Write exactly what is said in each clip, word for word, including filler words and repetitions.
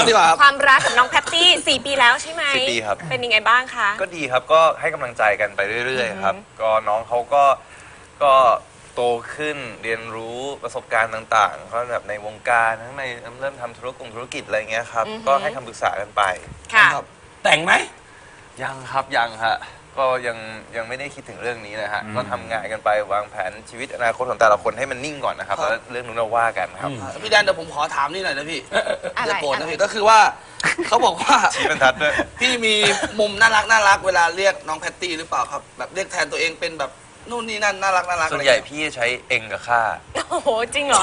ดีกว่าความรักกับน้องแพตตี้สี่ปีแล้วใช่ไหมสี่ปีครับเป็นยังไงบ้างคะก็ดีครับก็ให้กำลังใจกันไปเรื่อยๆครับก็น้องเขาก็ก็โตขึ้นเรียนรู้ประสบการณ์ต่างๆเขาแบบในวงการทั้งในเริ่มทำธุรกงธุรกิจอะไรเงี้ยครับก็ให้คำปรึกษากันไปค่ะแต่งไหมยังครับยังฮะก็ยังยังไม่ได้คิดถึงเรื่องนี้เลยฮะก็ทำงานกันไปวางแผนชีวิตอนาคตของแต่ละคนให้มันนิ่งก่อนนะครับแล้วเรื่องนู้นเราว่ากันครับพี่แดนเดี๋ยวผมขอถามนี่หน่อยนะพี่อะไรอย่าโกรธนะพี่ก็คือว่าเขาบอกว่าชี้บรรทัดด้วยพี่มีมุมน่ารักน่ารักเวลาเรียกน้องแพตตี้หรือเปล่าครับแบบเรียกแทนตัวเองเป็นแบบนู่นนี่นั่นน่ารักน่ารักส่วนใหญ่พี่จะใช้เองกับข้าโอ้โหจริงเหรอ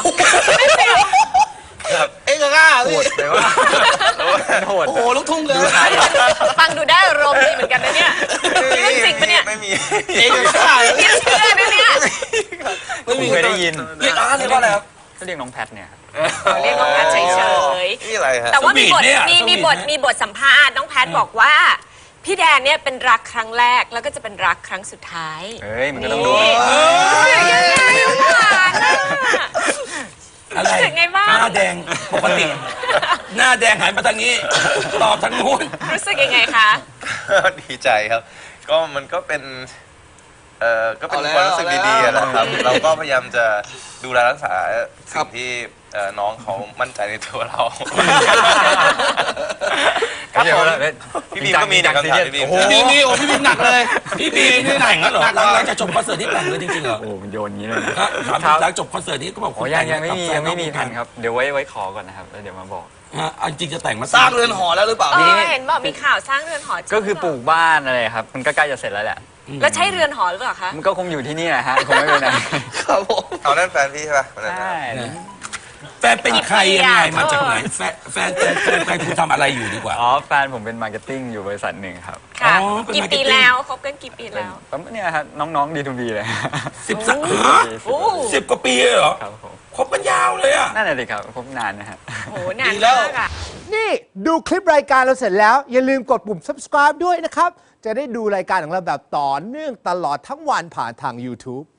ครับเอ็งกับข้าพี่แต่ว่าโหดโอ้โหลูกทุ่งเลยฟังดูได้อารมณ์ดีเหมือนกันนะเนี่ยนี่เรื่องจริงปะเนี่ยไม่มีเอ็งกับข้าพี่เชื่อนะเนี่ยไม่มีเคยได้ยินเรียกอะไรเรียกว่าอะไรครับก็เรียกน้องแพทเนี่ยครับเรียกน้องแพทเฉยนี่อะไรฮะๆแต่ว่ามีบทสวีทเนี่ยมีสวีทมีบทมีบทสัมภาษณ์น้องแพทบอกว่าพี่แดนเนี่ยเป็นรักครั้งแรกแล้วก็จะเป็นรักครั้งสุดท้ายเฮ้ย มันก็ต้องดูนี่ยังไงหวานอะอะไรรู้สึกไงบ้างหน้าแดงปกติ หน้าแดงหันมาทางนี้ ตอบทางนู้นรู้สึกยังไงคะดีใจครับ ก็มันก็เป็นเอ่อก็เป็นเอาแล้วความรู้สึกดีๆนะครับเอาแล้วเราก็พยายามจะดูแลรักษาครัสิ่บงที่เอ่อน้องเขามั่นใจในตัวเราครับผมพี่บีมก็มีนะคำถามพี่บีมพี่บีมนี่โอ้พี่บีมหนักเลย พี่บีมนี่หนักเหรอหลังจากจบคอนเสิร์ตที่แต่งเลยจริงๆเหรอโอ้มันโยนอย่างนี้เลยนะฮะถามหลังจบคอนเสิร์ตนี้ก็บอกโอ้ยังยังไม่มียังไม่มีแผนครับ เดี๋ยวไว้ไว้ขอก่อนนะครับ แล้วเดี๋ยวมาบอกฮะอันจริงจะแต่งมาสร้างเรือนหอแล้วหรือเปล่าเอพี่อเห็นบอกมีข่าวสร้างเรือนหอจริงก็คือปลูกบ้านอะไรครับ มันก็ใกล้จะเสร็จแล้วแหละแล้วใช้เรือนหอหรือเปล่าคะมันก็คงอยู่ที่นี่แหละฮะ คงไม่ไปไหนครับผมเอานั่นแฟนพี่ใช่ป่ะวันนั้นใช่แฟนเป็นใครยังไงมาจากไหนแฟนแฟนแฟนแฟนแฟนคุณทำอะไรอยู่ดีกว่าอ๋อ แฟนผมเป็นมาร์เก็ตติ้งอยู่บริษัทหนึ่งครับค่ะอ๋อเป็นกี่ปี marketing แล้วคบกันกี่ปีเป็นแล้วก็เนี่ยครับน้องๆดีทูบีเลยสิบสักฮะโอ้สิบกว่าปีเลยเหรอครับผมคบกันยาวเลยอ่ะนั่นแหละสิครับคบนานนะฮะโหนานดีแล้วมากอะนี่ดูคลิปรายการเราเสร็จแล้ว อย่าลืมกดปุ่ม subscribe ด้วยนะครับ จะได้ดูรายการของเราแบบต่อเนื่องตลอดทั้งวันผ่านทาง YouTube